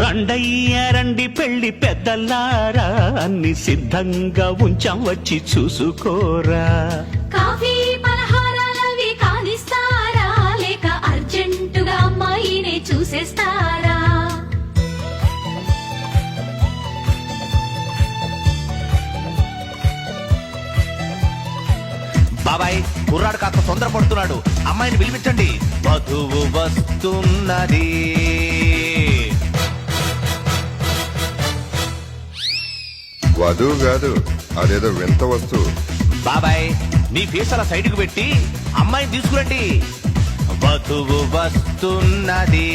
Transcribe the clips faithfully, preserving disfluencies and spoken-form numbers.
రండయ్య రండి పెళ్లి పెద్దల్లారా అన్ని సిద్ధంగా ఉంచాం వచ్చి చూసుకోరా. కాఫీ పలహారాలవి కానిస్తారా లేక అర్జెంటుగా అమ్మాయినే చూసేస్తారా? బాబాయ్ కుర్రాడు కాస్త తొందరపడుతున్నాడు, అమ్మాయిని పిలిపించండి. వధువు వస్తున్నది. వధువు కాదు, అదేదో వింత వస్తువు. బాబాయ్ మీ ఫేస్ అలా సైడ్ కు పెట్టి అమ్మాయిని తీసుకురండి. వధువు వస్తున్నది.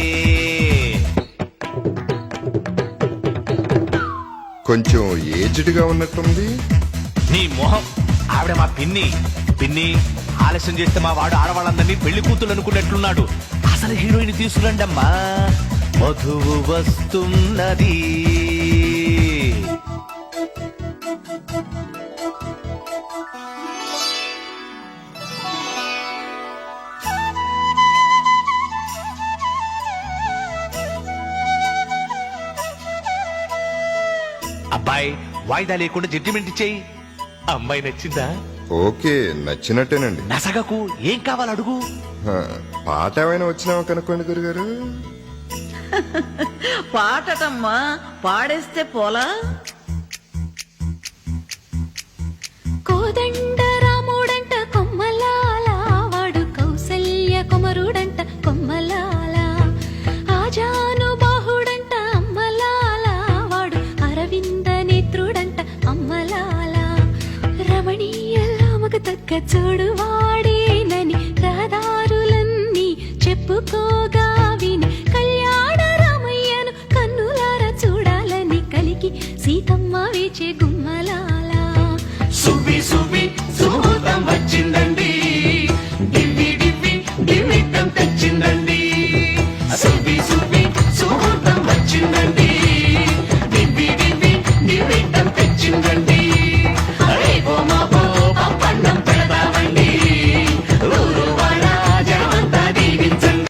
కొంచెం ఏజ్డ్ గా ఉన్నట్టుంది. నీ మొహం, ఆవిడ మా పిన్ని. పిన్ని ఆలస్యం చేస్తే మా వాడు ఆడవాళ్ళందరినీ పెళ్లి కూతురు అనుకున్నట్లున్నాడు. అసలు హీరోయిన్ తీసుకురండి అమ్మా. వధువు వస్తున్నది. అబ్బాయి వాయిదా లేకుండా జడ్జిమెంట్ ఇచ్చేయి. అమ్మాయి నచ్చిందా? ఓకే, నచ్చినట్టేనండి. నసగకు, ఏం కావాలి అడుగు. హ, పాట ఏమైనా వచ్చినావా కనుక్కోండి గురుగారు. పాటటమ్మా, పాడేస్తే పోలా. కోదండ రాముడంట కొమ్మలాల, వాడు కౌసల్య కుమరుడంట కొమ్మలాల. ఆజాను బాహుడంట అమ్మలాల, వాడు అరవింద నేత్రుడంట అమ్మలాల. రమణీయలా మగ తగ్గ చూడు వాడేనని రహదారులన్నీ చెప్పుకోగా విని కళ్యాణ రామయ్యను కన్నులార చూడాలని కలిగి సీతమ్మ వేచే గుమ్మలాల. సువ్వి సువ్వి సుముహూర్తం వచ్చిందండి, గివ్వి గివ్వి గివ్విట్టం తెచ్చిందండి. సువ్వి